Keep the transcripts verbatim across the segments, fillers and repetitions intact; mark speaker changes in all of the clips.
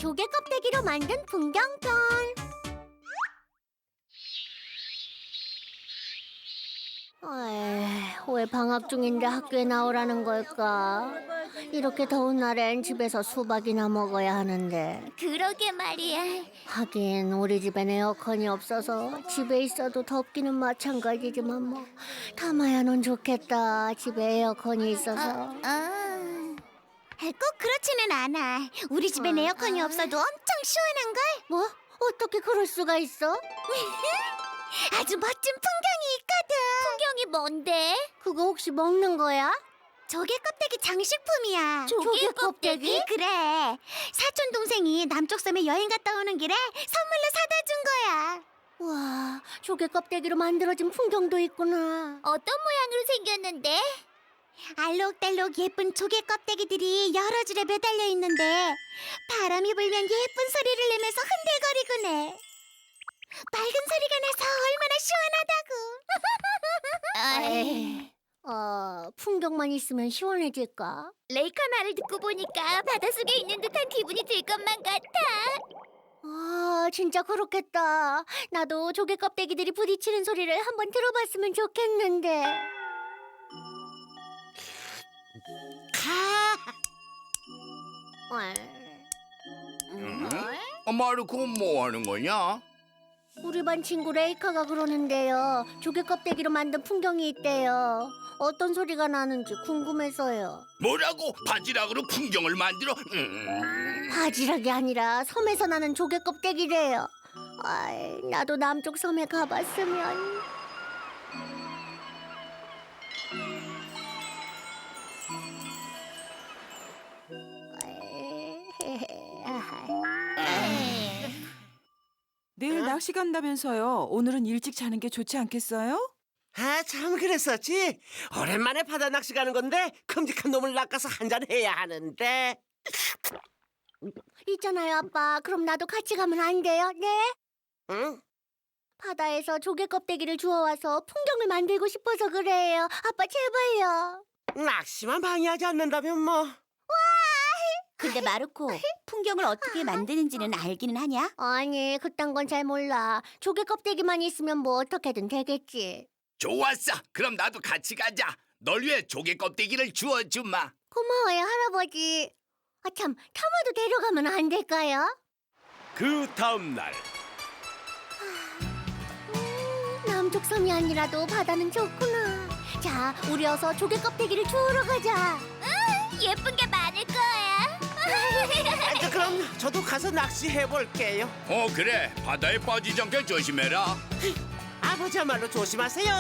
Speaker 1: 조개 껍데기로 만든 풍경편. 에이, 왜 방학 중인데 학교에 나오라는 걸까? 이렇게 더운 날엔 집에서 수박이나 먹어야 하는데.
Speaker 2: 그러게 말이야.
Speaker 1: 하긴 우리 집엔 에어컨이 없어서 집에 있어도 덥기는 마찬가지지만 뭐 타마야는 좋겠다. 집에 에어컨이 있어서.
Speaker 2: 어, 꼭 그렇지는 않아. 우리 집엔
Speaker 1: 어,
Speaker 2: 에어컨이
Speaker 1: 아.
Speaker 2: 없어도 엄청 시원한걸?
Speaker 1: 뭐? 어떻게 그럴 수가 있어?
Speaker 2: 아주 멋진 풍경이 있거든. 풍경이 뭔데?
Speaker 1: 그거 혹시 먹는 거야?
Speaker 2: 조개 껍데기 장식품이야.
Speaker 1: 조개 껍데기?
Speaker 2: 그래. 사촌 동생이 남쪽 섬에 여행 갔다 오는 길에 선물로 사다 준 거야.
Speaker 1: 와, 조개 껍데기로 만들어진 풍경도 있구나.
Speaker 2: 어떤 모양으로 생겼는데? 알록달록 예쁜 조개 껍데기들이 여러 줄에 매달려 있는데 바람이 불면 예쁜 소리를 내면서 흔들거리곤 해. 맑은 소리가 나서 얼마나 시원하다고.
Speaker 1: 에이, 어, 풍경만 있으면 시원해질까?
Speaker 2: 레이카 말을 듣고 보니까 바닷속에 있는 듯한 기분이 들 것만 같아.
Speaker 1: 아, 진짜 그렇겠다. 나도 조개 껍데기들이 부딪히는 소리를 한번 들어봤으면 좋겠는데.
Speaker 3: 응? 어, 마르코 뭐 하는 거냐?
Speaker 1: 우리 반 친구 레이카가 그러는데요. 조개 껍데기로 만든 풍경이 있대요. 어떤 소리가 나는지 궁금해서요.
Speaker 3: 뭐라고? 바지락으로 풍경을 만들어? 음.
Speaker 1: 바지락이 아니라 섬에서 나는 조개 껍데기래요. 아이, 나도 남쪽 섬에 가봤으면.
Speaker 4: 내일 낚시 간다면서요. 오늘은 일찍 자는 게 좋지 않겠어요?
Speaker 5: 아, 참 그랬었지. 오랜만에 바다 낚시 가는 건데 큼직한 놈을 낚아서 한잔 해야 하는데.
Speaker 1: 있잖아요, 아빠. 그럼 나도 같이 가면 안 돼요? 네?
Speaker 5: 응?
Speaker 1: 바다에서 조개 껍데기를 주워와서 풍경을 만들고 싶어서 그래요. 아빠, 제발요.
Speaker 5: 낚시만 방해하지 않는다면 뭐.
Speaker 2: 근데 마르코, 풍경을 어떻게 만드는지는 알기는 하냐?
Speaker 1: 아니, 그딴 건 잘 몰라. 조개 껍데기만 있으면 뭐 어떻게든 되겠지.
Speaker 3: 좋았어. 그럼 나도 같이 가자. 널 위해 조개 껍데기를 주워주마.
Speaker 1: 고마워요, 할아버지. 아, 참, 타마도 데려가면 안 될까요?
Speaker 6: 그 다음 날
Speaker 1: 음, 남쪽 섬이 아니라도 바다는 좋구나. 자, 우리 어서 조개 껍데기를 주우러 가자.
Speaker 2: 예쁜 게 많을 거야.
Speaker 5: 아, 저, 그럼 저도 가서 낚시해 볼게요.
Speaker 3: 어 그래. 바다에 빠지지 않게 조심해라.
Speaker 5: 아버지야말로 조심하세요.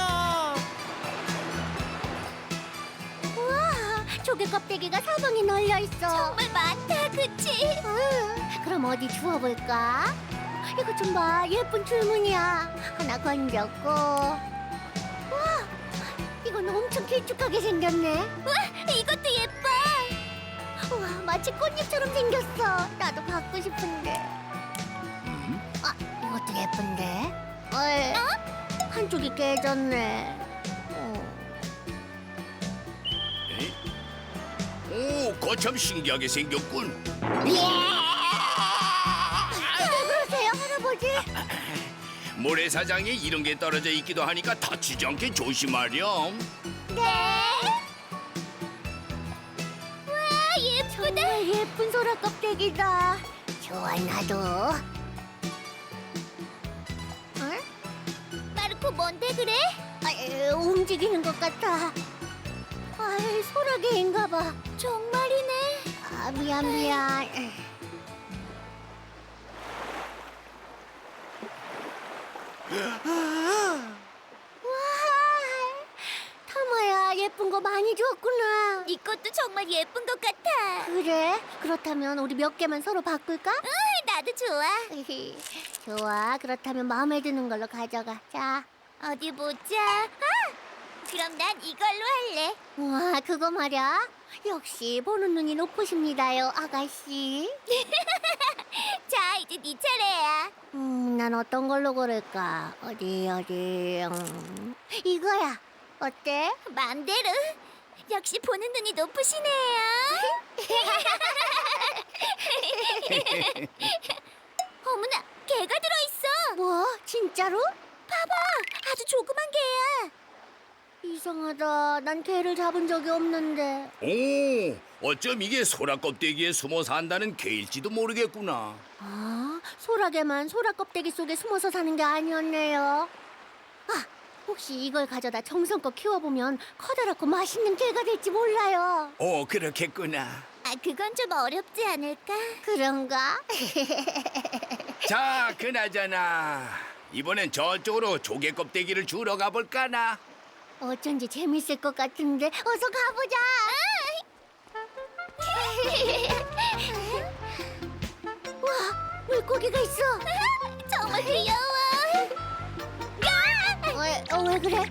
Speaker 1: 우와, 조개 껍데기가 사방에 널려 있어.
Speaker 2: 정말 많다, 그치?
Speaker 1: 응, 그럼 어디 주워볼까? 이거 좀 봐, 예쁜 줄무늬야. 하나 건졌고. 와, 이건 엄청 길쭉하게 생겼네.
Speaker 2: 우와, 이것도 예뻐.
Speaker 1: 우와, 마치 꽃잎처럼 생겼어. 나도 갖고 싶은데. 아, 이것도 예쁜데. 어이, 한쪽이 깨졌네. 어.
Speaker 3: 오, 거참 신기하게 생겼군.
Speaker 1: 왜 그러세요, 할아버지?
Speaker 3: 모래사장에 이런 게 떨어져 있기도 하니까 다치지 않게 조심하렴.
Speaker 2: 네. 와, 예쁘다.
Speaker 1: 정말 예쁜 소라 껍데기다. 좋아, 나도. 어?
Speaker 2: 마르코, 뭔데 그래?
Speaker 1: 아, 에, 움직이는 것 같아. 아, 소라게인가 봐.
Speaker 2: 정말이네.
Speaker 1: 아, 미안, 미안. 와, 타마야, 예쁜 거 많이 줬구나.
Speaker 2: 네 것도 정말 예쁜 것 같아.
Speaker 1: 그래? 그렇다면 우리 몇 개만 서로 바꿀까?
Speaker 2: 응, 나도 좋아.
Speaker 1: 좋아, 그렇다면 마음에 드는 걸로 가져가. 자.
Speaker 2: 어디 보자. 아, 그럼 난 이걸로 할래.
Speaker 1: 와, 그거 말야. 역시 보는 눈이 높으십니다요, 아가씨.
Speaker 2: 자, 이제 네 차례야.
Speaker 1: 음, 난 어떤 걸로 고를까? 어디, 어디, 음, 이거야. 어때?
Speaker 2: 맘대로. 역시 보는 눈이 높으시네요. 어머나, 개가 들어있어.
Speaker 1: 뭐? 진짜로?
Speaker 2: 아주 조그만 개야.
Speaker 1: 이상하다. 난 개를 잡은 적이 없는데.
Speaker 3: 오, 어쩜 이게 소라 껍데기에 숨어 산다는 개일지도 모르겠구나.
Speaker 1: 아, 소라게만 소라 껍데기 속에 숨어서 사는 게 아니었네요. 아, 혹시 이걸 가져다 정성껏 키워보면 커다랗고 맛있는 개가 될지 몰라요.
Speaker 3: 오, 그렇겠구나.
Speaker 2: 아, 그건 좀 어렵지 않을까?
Speaker 1: 그런가?
Speaker 3: 자, 그나저나 이번엔 저쪽으로 조개 껍데기를 주러 가볼까나.
Speaker 1: 어쩐지 재밌을 것 같은데 어서 가보자. 와, 물고기가 있어.
Speaker 2: 정말 귀여워.
Speaker 1: 왜, 어, 왜 그래?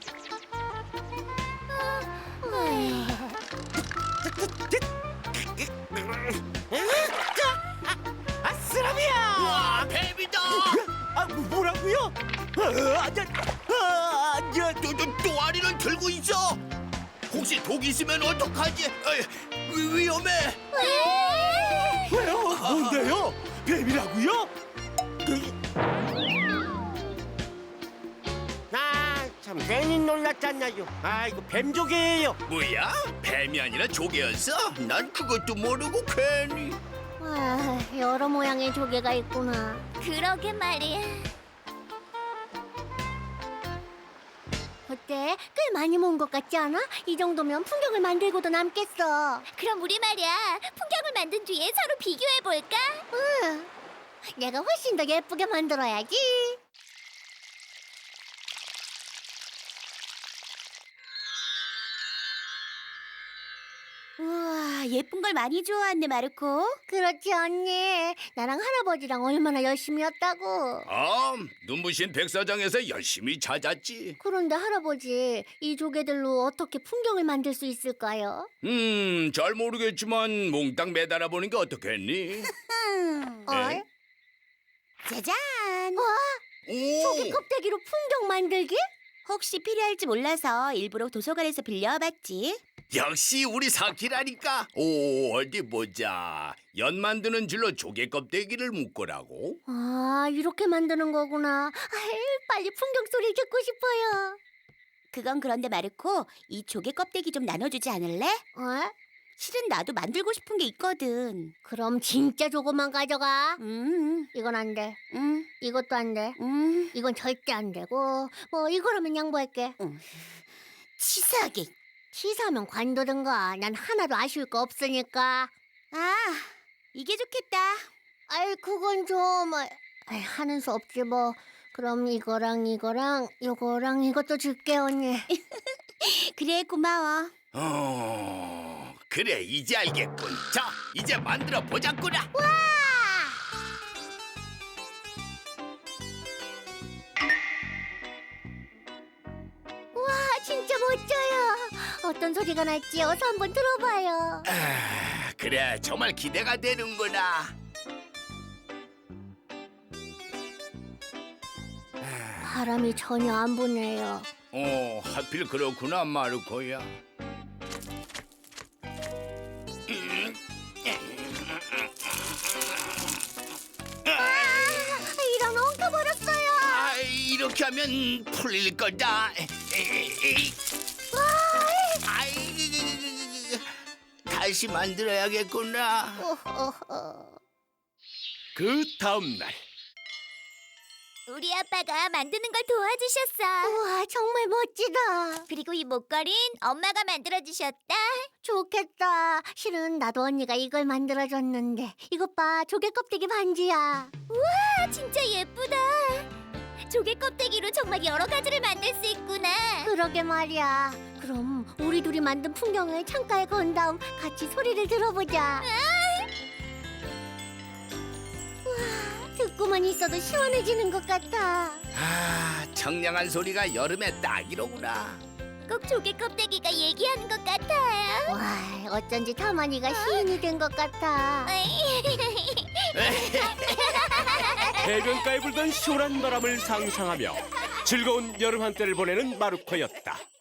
Speaker 5: 아, 쓰라미야!
Speaker 3: 와, 뱀이다.
Speaker 5: 아, 뭐라고요? 아, 야, 아, 야,
Speaker 3: 또, 또, 또 아리를 들고 있어. 혹시 독 있으면 어떡하지? 어이, 위- 위험해.
Speaker 5: 왜요? 뭔데요? 뱀이라고요? 아, 참 괜히 놀랐잖아요. 아, 이거 뱀조개예요.
Speaker 3: 뭐야? 뱀이 아니라 조개였어? 난 그것도 모르고 괜히.
Speaker 1: 아, 여러 모양의 조개가 있구나.
Speaker 2: 그러게 말이야.
Speaker 1: 어때? 꽤 많이 모은 것 같지 않아? 이 정도면 풍경을 만들고도 남겠어.
Speaker 2: 그럼 우리 말이야, 풍경을 만든 뒤에 서로 비교해 볼까?
Speaker 1: 응. 내가 훨씬 더 예쁘게 만들어야지.
Speaker 2: 우와, 예쁜 걸 많이 좋아하네, 마르코.
Speaker 1: 그렇지 언니. 나랑 할아버지랑 얼마나 열심히 했다고.
Speaker 3: 아, 눈부신 백사장에서 열심히 찾았지.
Speaker 1: 그런데 할아버지, 이 조개들로 어떻게 풍경을 만들 수 있을까요?
Speaker 3: 음, 잘 모르겠지만 몽땅 매달아 보는 게 어떻겠니?
Speaker 1: 어?
Speaker 2: 짜잔!
Speaker 1: 조개
Speaker 3: 오,
Speaker 1: 껍데기로 풍경 만들기?
Speaker 2: 혹시 필요할지 몰라서 일부러 도서관에서 빌려와봤지.
Speaker 3: 역시 우리 사키라니까. 오, 어디 보자. 연 만드는 줄로 조개 껍데기를 묶으라고.
Speaker 1: 아, 이렇게 만드는 거구나. 아이, 빨리 풍경 소리 듣고 싶어요.
Speaker 2: 그건 그런데 마르코, 이 조개 껍데기 좀 나눠주지 않을래?
Speaker 1: 어?
Speaker 2: 실은 나도 만들고 싶은 게 있거든.
Speaker 1: 그럼 진짜 조금만 가져가.
Speaker 2: 음,
Speaker 1: 이건 안 돼.
Speaker 2: 음,
Speaker 1: 이것도 안 돼.
Speaker 2: 음.
Speaker 1: 이건 절대 안 되고. 뭐 이거라면 양보할게.
Speaker 2: 치사하게.
Speaker 1: 치사하면 관두든가. 난 하나도 아쉬울 거 없으니까.
Speaker 2: 아, 이게 좋겠다.
Speaker 1: 아이, 그건 좀 아이, 하는 수 없지 뭐. 그럼 이거랑 이거랑 요거랑 이것도 줄게 언니.
Speaker 2: 그래, 고마워.
Speaker 3: 어, 그래, 이제 알겠군. 자, 이제 만들어 보자꾸나.
Speaker 1: 와, 진짜 멋져요. 어떤 소리가 날지 어서 한번 들어봐요.
Speaker 3: 아, 그래, 정말 기대가 되는구나.
Speaker 1: 바람이 전혀 안 부네요.
Speaker 3: 어, 하필 그렇구나, 마르코야.
Speaker 1: 아, 이런 엉켜버렸어요.
Speaker 3: 아, 이렇게 하면 풀릴 거다. 에이, 아이, 다시 만들어야겠구나.
Speaker 1: 어, 어, 어.
Speaker 6: 그 다음 날
Speaker 2: 우리 아빠가 만드는 걸 도와주셨어.
Speaker 1: 우와, 정말 멋지다.
Speaker 2: 그리고 이 목걸이는 엄마가 만들어주셨다.
Speaker 1: 좋겠다. 실은 나도 언니가 이걸 만들어줬는데. 이것 봐, 조개 껍데기 반지야.
Speaker 2: 아, 진짜 예쁘다. 조개 껍데기로 정말 여러 가지를 만들 수 있구나.
Speaker 1: 그러게 말이야. 그럼 우리 둘이 만든 풍경을 창가에 건 다음 같이 소리를 들어보자. 우와, 듣고만 있어도 시원해지는 것 같아.
Speaker 3: 아, 청량한 소리가 여름에 딱이로구나.
Speaker 2: 꼭 조개 껍데기가 얘기하는 것 같아요.
Speaker 1: 와, 어쩐지 타마니가 시인이 된 것 같아.
Speaker 6: 해변가에 불던 시원한 바람을 상상하며 즐거운 여름 한때를 보내는 마르코였다.